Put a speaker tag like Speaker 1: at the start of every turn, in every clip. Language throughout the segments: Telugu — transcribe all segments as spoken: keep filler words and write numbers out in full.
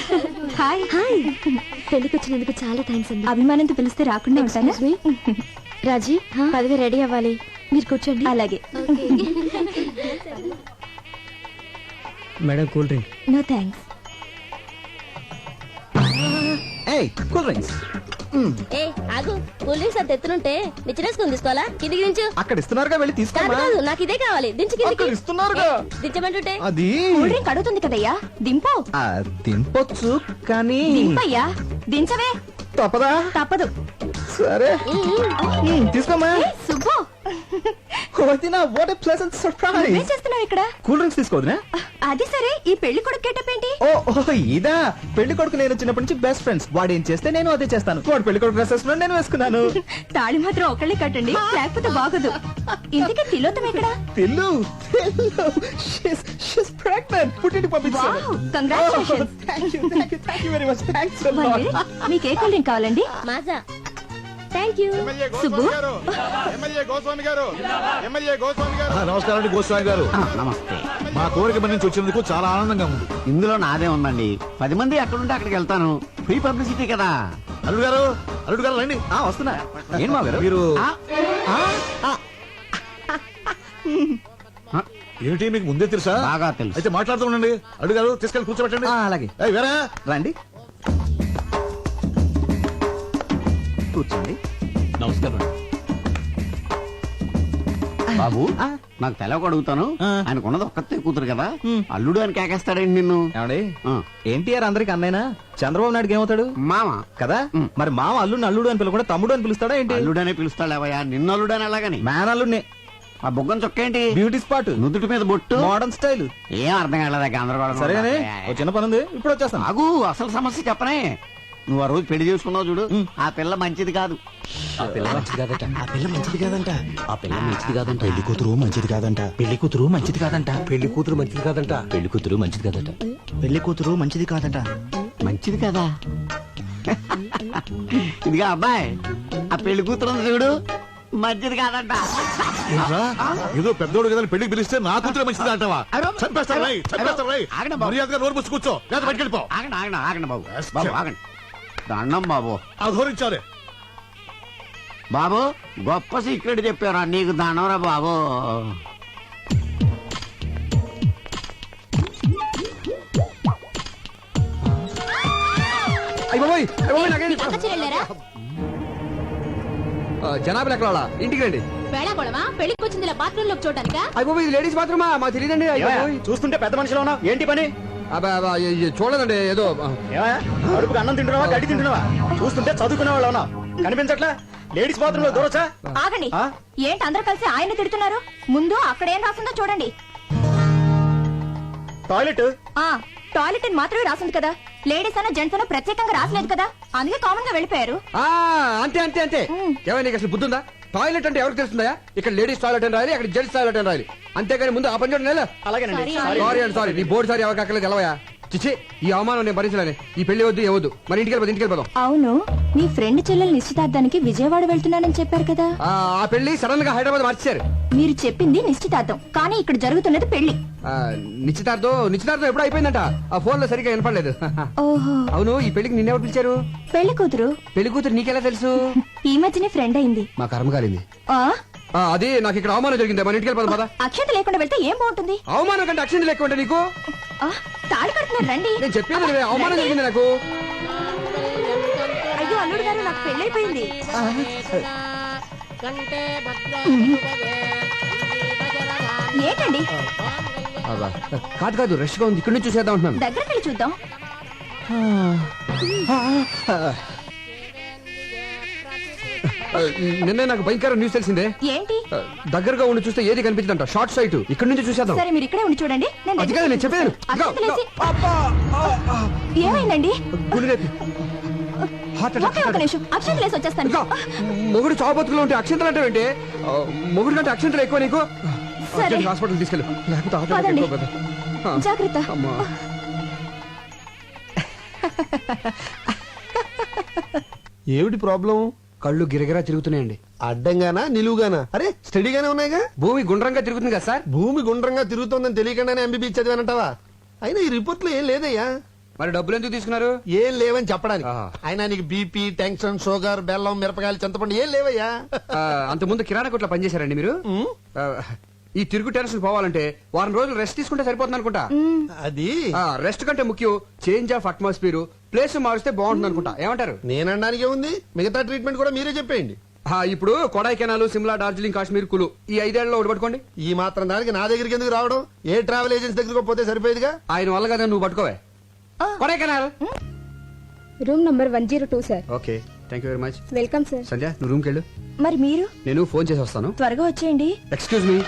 Speaker 1: హాయ్ హాయ్ పెళ్లికి వచ్చినందుకు చాలా థ్యాంక్స్ అండి. అభిమానంతో పిలిస్తే రాకుండా ఉంటాను. రాజీ పదవి రెడీ అవ్వాలి, మీరు కూర్చోండి. అలాగే.
Speaker 2: Madam cool drink.
Speaker 1: No thanks.
Speaker 2: ఏయ్ కూల్ డ్రింక్స్.
Speaker 3: ఏ ఆగు, కూల్ డ్రింక్స్ అంత ఎత్తునుంటే నిచ్చినేసుకుని తీసుకోవాలా? కిందికి దించు.
Speaker 2: అక్కడ ఇస్తున్నారుగా, వెళ్ళి తీసుకోమా.
Speaker 3: కాదు, నాకు ఇదే కావాలి. దించు కిందికి.
Speaker 2: ఇస్తున్నారుగా.
Speaker 3: దించమంటుంటే
Speaker 2: అది
Speaker 1: కూల్ డ్రింక్ అడుగుతుంది కదయ్యా, దింపు.
Speaker 2: దింపొచ్చు కానీ
Speaker 1: దింపయ్యా, దించవే.
Speaker 2: తప్పదా?
Speaker 1: తప్పదు.
Speaker 2: సరే తీసుకోమా.
Speaker 1: Subbu,
Speaker 2: what a pleasant surprise.
Speaker 1: ఏం చేస్తున్నావు ఇక్కడ?
Speaker 2: కూల్ డ్రింక్స్ తీసుకోవద్దునా?
Speaker 1: అది సరే, ఈ పెళ్లి కొడుకు గెటప్ ఏంటి?
Speaker 2: ఓ ఇదా, పెళ్లి కొడుకు నేను చిన్నప్పటి నుంచి బెస్ట్ ఫ్రెండ్స్. వాడు ఏం చేస్తే నేను అదే చేస్తాను. వాడు పెళ్లి కొడుకు డ్రెస్ వేసుకున్నాను, నేను వేసుకున్నాను.
Speaker 1: తాళి మాత్రం ఒకళ్ళే కట్టండి, లేకపోతే బాగోదు. ఇంతకీ తిలోతం ఎక్కడ?
Speaker 2: తిల్లు ప్రెగ్నెంట్, పుట్టింటి పంపించాను.
Speaker 1: కంగ్రాచులేషన్స్. మీకు ఏ కూల్ డ్రింక్ కావాలండి?
Speaker 3: మాజా. Thank you.
Speaker 1: సుబ్బు,
Speaker 4: నమస్కారం అండి గోస్వామి గారు.
Speaker 5: నమస్తే.
Speaker 4: మా కోరిక మంది నుంచి వచ్చినందుకు చాలా ఆనందంగా ఉంది.
Speaker 5: ఇందులో నాదే ఉందండి. పది మంది ఎక్కడుంటే అక్కడికి వెళ్తాను. ఫ్రీ పబ్లిసిటీ కదా.
Speaker 4: అల్లుడు గారు, అల్లుడు గారు రండి.
Speaker 2: ఆ, వస్తున్నా. ఏం మా గారు మీరు?
Speaker 5: ఆ,
Speaker 4: ఏమిటి మీకు ముందే తెలుసా?
Speaker 5: బాగా తెలుసు.
Speaker 4: అయితే మాట్లాడుతూ ఉండండి. అల్లుడు గారు తీసుకెళ్ళి కూర్చోబెట్టండి.
Speaker 2: ఆ, అలాగే.
Speaker 4: ఏయ్, వేరా
Speaker 2: రండి కూర్చోండి.
Speaker 4: నమస్కారం.
Speaker 5: బాబు,
Speaker 2: ఆ.
Speaker 5: నాకు తెలవక అడుగుతాను.
Speaker 2: ఆ.
Speaker 5: ఆయనకున్నది ఒక్కతే కూతురు కదా,
Speaker 2: ఉమ్.
Speaker 5: అల్లుడు అని కేకేస్తాడండి నిన్ను.
Speaker 2: ఏమండి,
Speaker 5: ఆ.
Speaker 2: ఎన్టీఆర్ అందరికి అన్నైనా, చంద్రబాబు నాయుడుకి ఏమవుతాడు?
Speaker 5: మామ.
Speaker 2: కదా.
Speaker 5: ఉమ్.
Speaker 2: మరి మామ అల్లుడిని అల్లుడు అని పిలవకుండా తమ్ముడు అని పిలుస్తాడా ఏంటి?
Speaker 5: అల్లుడనే పిలుస్తాడేవయ్యా, నిన్ను అల్లుడు అని అలాగని.
Speaker 2: మ్యాన్ అల్లుడిని.
Speaker 5: ఆ బొగ్గం చొక్క ఏంటి?
Speaker 2: బ్యూటీ స్పాట్,
Speaker 5: నుదుటి మీద బొట్టు.
Speaker 2: Modern style.
Speaker 5: ఏం అర్థం కాలేదా? గందరగోళం.
Speaker 2: సరేగానే, ఓ చిన్న పని ఉంది, ఇప్పుడు వచ్చేస్తాను.
Speaker 5: ఆగు, అసలు సమస్య చెప్పనే. నువ్వు ఆ రోజు పెళ్లి చేసుకున్నావు చూడు, ఆ పిల్ల మంచిది కాదు.
Speaker 6: ఆ పిల్ల మంచిది కాదట. ఆ పిల్ల మంచిది కాదంట. ఆ పిల్ల మంచిది కాదంట. పెళ్లి కూతురు మంచిది కాదంట. పెళ్లి కూతురు మంచిది కాదంట. పెళ్లి కూతురు మంచిది కాదంట. పెళ్లి కూతురు మంచిది కాదట. పెళ్లి కూతురు మంచిది కాదంట.
Speaker 5: మంచిది కదా. ఇదిగా అబ్బాయి, ఆ పెళ్లి కూతురు ఉంది చూడు, మంచిది కాదంట.
Speaker 4: ఏంట్రా? ఏదో పెద్దోడు కదా పెళ్లికి పిలిస్తే నా కూతురు మంచిది అంటావా? చంపేస్తాను రై, చంపేస్తాను రై.
Speaker 5: ఆగండి బాబు.
Speaker 4: మర్యాదగా నోరు మూసి కూర్చో, లేదా బయటికి వెళ్ళిపో.
Speaker 5: ఆగండి ఆగండి ఆగండి బాబు. బాబు ఆగండి. దండం బాబు.
Speaker 4: అధోరించాలి.
Speaker 5: బాబు, గొప్ప సీక్రెట్ చెప్పారా నీకు, దండంరా బాబు.
Speaker 2: అయిపోయి
Speaker 7: జనాభా లెక్కల ఇంటికి రండి.
Speaker 3: పెళ్లికి వచ్చింది బాత్రూమ్ లో చూడటానికా?
Speaker 7: అయిపోయి ఇది లేడీస్ బాత్రూమా? మాకు తెలియదండి.
Speaker 2: చూస్తుంటే పెద్ద మనిషిలో ఉన్నావు, ఏంటి పని?
Speaker 7: చూడదండి, ఏదో
Speaker 2: అడుపుకి అన్నం తింటున్నావా, గడ్డి తింటున్నావా? చూస్తుంటే చదువుకునే వాళ్ళు ఉన్నావు, కనిపించట్లా? లేడీస్ బాత్రూమ్ లో దూరొచ్చా?
Speaker 1: ఆగండి. ఏంటి అందరూ కలిసి ఆయన తిడుతున్నారు? ముందు అక్కడ ఏం రాసిందో చూడండి.
Speaker 2: టాయిలెట్.
Speaker 1: ఆ టాయిలెట్ అని మాత్రమే రాసింది కదా, లేడీస్ అన్న జెంట్స్ అన్న ప్రత్యేకంగా రాసలేదు కదా, అందుకే కామన్ గా వెళ్ళిపోయారు.
Speaker 7: అంతే అంతే అంతే. ఏమైనా నీకు అసలు బుద్ధి ఉందా? టాయిలెట్ అంటే ఎవరికి తెలుస్తుందా? ఇక్కడ లేడీస్ టాయిలెట్ అని రాయాలి, అక్కడ జెంట్స్ టాయిలెట్ అని రాయాలి, అంతేగాని ముందు ఆ పని చూడండి.
Speaker 2: అలాగేనండి.
Speaker 7: సారీ అండి, సారీ. నీ బోర్డు సారీ ఎవరికి అక్కర్లేదు, తెలవయా? చిచ్చి, ఈ అవమానం నేను భరించలేను. ఈ పెళ్లి వద్దు, ఏవద్దు. మరి ఇంటికి వెళ్ళిపోదు, ఇంటికి వెళ్ళిపోదాం.
Speaker 1: అవును, మీ ఫ్రెండ్ చెల్లెలు నిశ్చితార్థానికి విజయవాడ వెళ్తున్నానని చెప్పారు కదా.
Speaker 7: ఆ పెళ్లి సడన్ గా హైదరాబాద్ మార్చారు.
Speaker 1: మీరు చెప్పింది నిశ్చితార్థం, కానీ ఇక్కడ జరుగుతున్నది పెళ్లి.
Speaker 7: నిశ్చితార్థం నిశ్చితార్థం ఎప్పుడు అయిపోయిందంట. ఆ ఫోన్ లో సరిగ్గా వినపడలేదు.
Speaker 1: ఓహో.
Speaker 7: అవును, ఈ పెళ్లికి నిన్నెవరు పిలిచారు?
Speaker 1: పెళ్లి కూతురు.
Speaker 7: పెళ్లి కూతురు నీకెలా తెలుసు?
Speaker 1: ఈ మధ్యనే ఫ్రెండ్ అయింది.
Speaker 7: మా కర్మ కాలింది.
Speaker 1: ఆ
Speaker 7: అది నాకు ఇక్కడ అవమానం జరిగింది. మన ఇంటికి వెళ్ళిపోదాం పద.
Speaker 1: అక్షత లేకుండా వెళ్తే ఏం బాగుంటుంది?
Speaker 7: అవమానం కంటే అక్షంత లెక్క ఉంటే నీకు
Speaker 1: తాళి కడుతున్నారు, రండి.
Speaker 7: నేను చెప్పేది నువ్వే, అవమానం జరిగింది నాకు.
Speaker 1: అయ్యో అల్లుడు గారు, నాకు పెళ్ళైపోయింది. ఏంటండి?
Speaker 7: కాదు కాదు, రష్ గా ఉంది, ఇక్కడ నుంచి చూసేద్దాం అంటున్నాను.
Speaker 1: దగ్గరికి వెళ్ళి చూద్దాం.
Speaker 7: నిన్నే నాకు భయంకర న్యూస్ తెలిసిందే.
Speaker 1: ఏంటి?
Speaker 7: దగ్గరగా ఉండి చూస్తే ఏది కనిపించదంట, షార్ట్ సైట్. ఇక్కడ నుంచి చూసేద్దాం.
Speaker 1: సరే, మీరు ఇక్కడే ఉండి చూడండి.
Speaker 7: అది కాదు నేను చెప్పాను.
Speaker 1: ఏమైందండి?
Speaker 7: అక్షంతలేసి వచ్చేస్తాను. మొగుడు చావుబతుకులో ఉంటే అక్షంతలు అంటే ఏంటి? మొగుడు కంటే అక్షంతలు ఎక్కువ నీకు. హాస్పిటల్ తీసుకెళ్ళు, లేకపోతే
Speaker 1: జాగ్రత్త.
Speaker 8: ఏమిటి ప్రాబ్లం?
Speaker 7: కళ్ళు గిరగిరా తిరుగుతున్నాయండి.
Speaker 8: అడ్డంగానా నిలువుగానా? అరే స్టడీగానే ఉన్నాయిగా.
Speaker 7: భూమి గుండ్రంగా తిరుగుతుంది కదా సార్.
Speaker 8: భూమి గుండ్రంగా తిరుగుతోందని తెలియకుండానే ఎంబీబీ చదివానంటావా? అయినా ఈ రిపోర్ట్ లో ఏం లేదయ్యా.
Speaker 7: మరి డబ్బులు ఎందుకు తీసుకున్నారు
Speaker 8: ఏం లేవని చెప్పడానికి
Speaker 7: ఆహా.
Speaker 8: అయినా నీకు బీపీ టెన్షన్ షుగర్ బెల్లం మిరపకాయలు చింతపండు ఏం లేవయ్యా
Speaker 7: ఆ, అంత ముందు కిరాణా కొట్లో పనిచేశారండి మీరు
Speaker 8: ఉమ్,
Speaker 7: ఆ, ఈ తిరుగు టెన్షన్ పోవాలంటే వారం రోజులు రెస్ట్ తీసుకుంటే సరిపోతుంది అనుకుంటా
Speaker 8: అది
Speaker 7: రెస్ట్ కంటే ముఖ్యం చేంజ్ ఆఫ్ అట్మాస్ఫియర్ ప్లేస్ మారిస్తే బాగుంటుంది అనుకుంటా ఏమంటారు
Speaker 8: నేనడానికి ఉంది మిగతా ట్రీట్మెంట్ కూడా మీరే చెప్పేయండి
Speaker 7: ఆ, ఇప్పుడు కొడైకెనాల్ సిమ్లా డార్జిలింగ్ కాశ్మీర్ కులు ఈ ఐదేళ్లలో ఒకటి పట్టుకోండి
Speaker 8: ఈ మాత్రం దానికి నా దగ్గరికి ఎందుకు రావడం ఏ ట్రావెల్ ఏజెన్సీ దగ్గరకు పోతే సరిపోయేదిగా
Speaker 7: ఆయన వల్ల కదా నువ్వు పట్టుకోవే Kodaikanal
Speaker 1: room number one zero two sir
Speaker 7: okay thank you very much
Speaker 1: welcome sir
Speaker 7: Sandhya నువ్వు రూమ్కి వెళ్ళు
Speaker 1: మరి మీరు
Speaker 7: నేను ఫోన్ చేసి వస్తాను
Speaker 1: త్వరగా వచ్చేయండి
Speaker 7: excuse me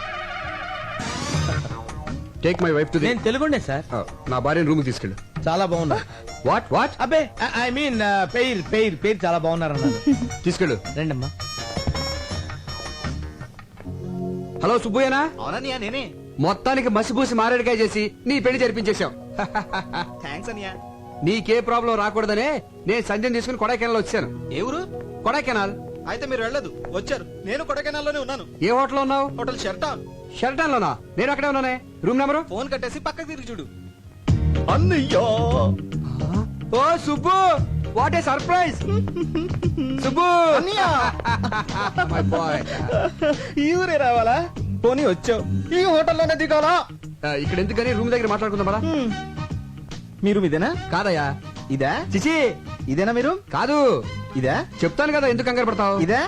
Speaker 7: take my wife to
Speaker 6: నేను తెలుగుండే సార్
Speaker 7: నా భార్యను రూమ్ తీసుకెళ్ళు
Speaker 6: చాలా బాగున్నా
Speaker 7: వాట్ వాట్
Speaker 6: అబ్బే ఐ మీన్ పేరు పేరు పేరు చాలా బాగున్నారు అన్నారు
Speaker 7: తీసుకెళ్ళు
Speaker 6: రండమ్మా
Speaker 7: హలో సుబ్బయ్యనా
Speaker 2: అవునన్నయ్య నేనే
Speaker 7: మొత్తానికి మసిపూసి మారేడుకాయ చేసి నీ పెళ్లి జరిపించేశాం
Speaker 2: థ్యాంక్స్ అన్నయ్య.
Speaker 7: నీకే ప్రాబ్లం రాకూడదనే నేను సంజయ్ తీసుకుని కొడైకెనాల్ వచ్చాను
Speaker 2: ఏ ఊరు
Speaker 7: కొడైకెనాల్
Speaker 2: అయితే మీరు వెళ్ళదు వచ్చారు నేను కొడకెనాల్లోనే ఉన్నాను
Speaker 7: ఏ హోటల్ ఉన్నావు
Speaker 2: హోటల్ షెర్టా
Speaker 7: షెల్టన్ లోనా నేను అక్కడే ఉన్నానే రూమ్ నెంబరు
Speaker 2: ఫోన్ కట్టేసి పక్కకి తిరిగి చూడు అన్నయ్యా
Speaker 7: ఓ Subbu what a surprise Subbu my boy
Speaker 2: ఈ ఊరే రావాలా పోనీ వచ్చావు ఈ హోటల్లోనే దిగాలా
Speaker 7: ఇక్కడ ఎందుకని రూమ్ దగ్గర మాట్లాడుకుందాం పదా
Speaker 2: మీరు ఇదేనా
Speaker 7: కాదయ్యా
Speaker 2: ఇదా
Speaker 7: చిచి
Speaker 2: ఇదేనా మీరు
Speaker 7: కాదు
Speaker 2: ఇదా
Speaker 7: చెప్తాను కదా ఎందుకు కంగారు పడతావు
Speaker 2: ఇదా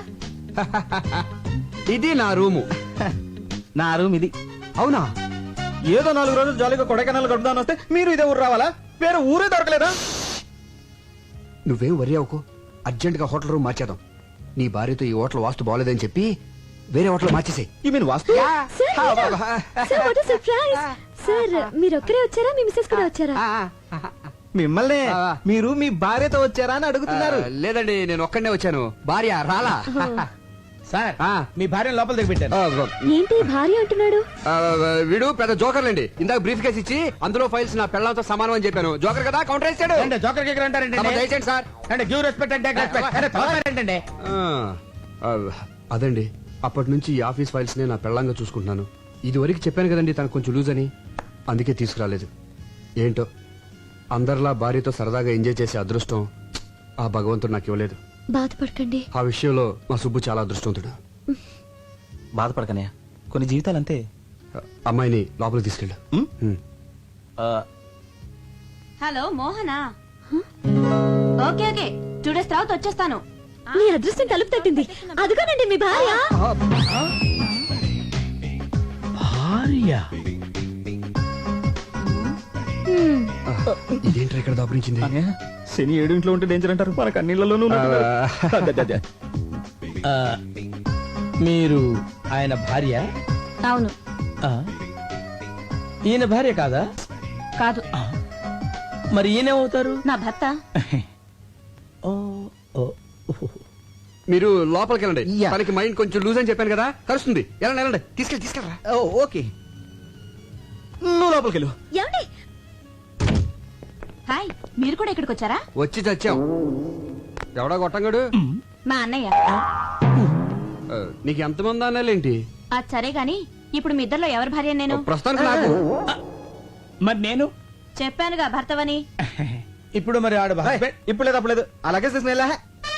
Speaker 7: ఇది నా రూము
Speaker 2: నా రూమ్ ఇది
Speaker 7: అవునా
Speaker 2: ఏదో నాలుగు రోజులు జాలీగా కొడైకెనాల్ గడుపుదాని వస్తే మీరు ఇదే ఊరు రావాలా వేరే ఊరే దొరకలేదా
Speaker 7: నువ్వేం వరి అవ్వకు అర్జెంట్ గా హోటల్ రూమ్ మార్చేద్దాం నీ భార్యతో ఈ హోటల్ వాస్తు బాగోలేదని చెప్పి వేరే హోటల్ మార్చేసాయి
Speaker 2: ఈ మీన్ వాస్తు
Speaker 1: సర్ప్రైజ్ సార్ మీరు ఒక్కరే వచ్చారా మీ మిస్సెస్ కూడా వచ్చారా
Speaker 2: మిమ్మల్ని
Speaker 7: ఆ.
Speaker 2: మీరు మీ భార్యతో వచ్చారా అని అడుగుతున్నారు
Speaker 7: లేదండి నేను ఒక్కడనే వచ్చాను భార్య రాలా
Speaker 6: సార్
Speaker 7: ఆ.
Speaker 6: మీ భార్య లోపల దిగి పెట్టాను
Speaker 7: ఆ,
Speaker 1: ఏంటి భార్య అంటున్నాడు
Speaker 7: ఆ, వీడు పెద్ద జోకర్లండి ఇందాక బ్రీఫ్ కేసు ఇచ్చి అందులో ఫైల్స్ నా పెళ్ళంతో సమానం అని చెప్పాను జోకర్ కదా కౌంటర్ వేసాడు
Speaker 6: అంటే జోకర్ కేకర్ అంటారంటే
Speaker 7: తమ దయచేయండి సార్
Speaker 6: అంటే గివ్ రెస్పెక్ట్ అంటే రెస్పెక్ట్ అంటే తోకర్ ఏంటంటే
Speaker 7: ఆ, ఆ, అదండి అప్పటి నుంచి ఈ ఆఫీస్ ఫైల్స్ నే నా పెళ్ళంగా చూసుకుంటున్నాను ఇది వరకు చెప్పాను కదండి తనకు కొంచెం లూజ్ అని అందుకే తీసుకురాలేదు ఏంటో అందరిలా భార్యతో సరదాగా ఎంజాయ్ చేసే అదృష్టం ఆ భగవంతుడు నాకు ఇవ్వలేదు
Speaker 1: బాధపడకండి
Speaker 7: ఆ విషయంలో మా సుబ్బు చాలా అదృష్టవంతుడు
Speaker 2: బాధపడకనే కొన్ని జీవితాలు అంతే
Speaker 7: అమ్మాయిని లోపలికి తీసుకెళ్ళు ఉమ్.
Speaker 3: Hello Mohana okay okay two days తర్వాత వచ్చేస్తాను
Speaker 1: మీ అదృష్టం తలుపు తట్టింది అదిగోనండి మీ భార్య
Speaker 6: భార్య
Speaker 1: హ్మ్.
Speaker 7: ఇదేంటి ఇక్కడ దాపురించింది
Speaker 2: శని ఏడు ఇంట్లో ఉంటే డేంజర్ అంటారు మనకు అన్నిళ్లలోనూ
Speaker 6: ఆ, మీరు ఆయన భార్య
Speaker 3: అవును
Speaker 6: ఆ, ఈయన భార్య కాదా
Speaker 3: కాదు
Speaker 6: మరి ఈయనేమవుతారు
Speaker 3: నా భర్త
Speaker 6: ఓ, ఓ,
Speaker 7: మీరు లోపలికి వెళ్ళండి
Speaker 2: యా.
Speaker 7: తనకి మైండ్ కొంచెం లూజ్ అని చెప్పాను కదా కలుస్తుంది వెళ్ళండి వెళ్ళండి తీసుకెళ్ళి తీసుకెళ్ళరా
Speaker 2: ఓ, ఓకే నువ్వు లోపలికి వెళ్ళు
Speaker 1: ఏమండి
Speaker 3: హాయ్ మీరు కూడా ఇక్కడికి వచ్చారా
Speaker 7: వచ్చి చచ్చాం ఎవడా కొట్టంగాడు
Speaker 3: మా అన్నయ్య
Speaker 7: ఆ, నీకు ఎంతమంది అన్నాలేంటి
Speaker 3: అది సరే గాని ఇప్పుడు మీ ఇద్దరిలో ఎవరి భార్య నేను
Speaker 7: ప్రస్తుతానికి నాకు
Speaker 6: మరి నేను
Speaker 3: చెప్పానుగా భర్తవని
Speaker 6: ఇప్పుడు మరి ఆడు
Speaker 2: ఏయ్, ఇప్పుడు లేదు అప్పుడు లేదు అలాగే తీసుకుని వెళ్ళా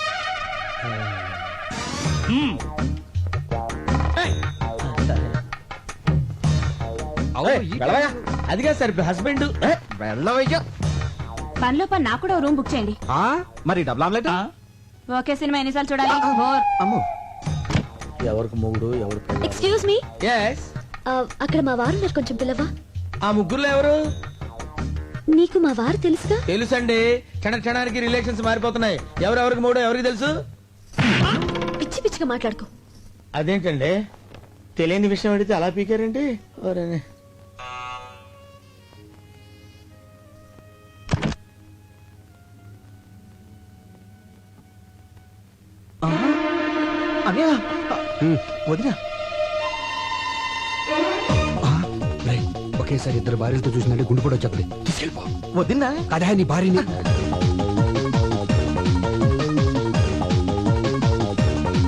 Speaker 7: అవును, ఈ-
Speaker 2: వెళ్ళవయ్యా
Speaker 6: అదిగా సార్ హస్బెండ్
Speaker 2: వెళ్ళవయ్యా
Speaker 3: పనిలో పని నాకు కూడా ఓ రూమ్ బుక్ చేయండి
Speaker 7: ఆ?
Speaker 2: మరి డబుల్ ఆమ్లెట్
Speaker 3: ఓకే సినిమా ఎన్నిసార్లు చూడాలి బోర్
Speaker 2: అమ్మో
Speaker 6: ఎవరికి మొగుడు ఎవరు
Speaker 1: ఎక్స్క్యూజ్ మీ
Speaker 6: ఎస్
Speaker 1: అక్కడ మా వారు ఉన్నారు కొంచెం పిల్లవా
Speaker 6: ఆ ముగ్గురులో ఎవరు
Speaker 1: నీకు మా వారు తెలుసుగా
Speaker 6: తెలుసండి క్షణ క్షణానికి రిలేషన్స్ మారిపోతున్నాయి ఎవరెవరికి మూడో ఎవరికి తెలుసు
Speaker 1: పిచ్చి పిచ్చిగా మాట్లాడుకో
Speaker 6: అదేంటండి తెలియని విషయం అడిగితే అలా పీకారండి ఓరేనే.
Speaker 2: అన్నయ్య
Speaker 7: ఉమ్.
Speaker 2: వదినా
Speaker 7: ఆ, రేయ్, ఒకేసారి ఇద్దరు భార్యలతో చూసినట్టు గుండు కూడా వచ్చేది తీసుకెళ్ళిపో
Speaker 2: వదినా
Speaker 7: అదే నీ భార్యని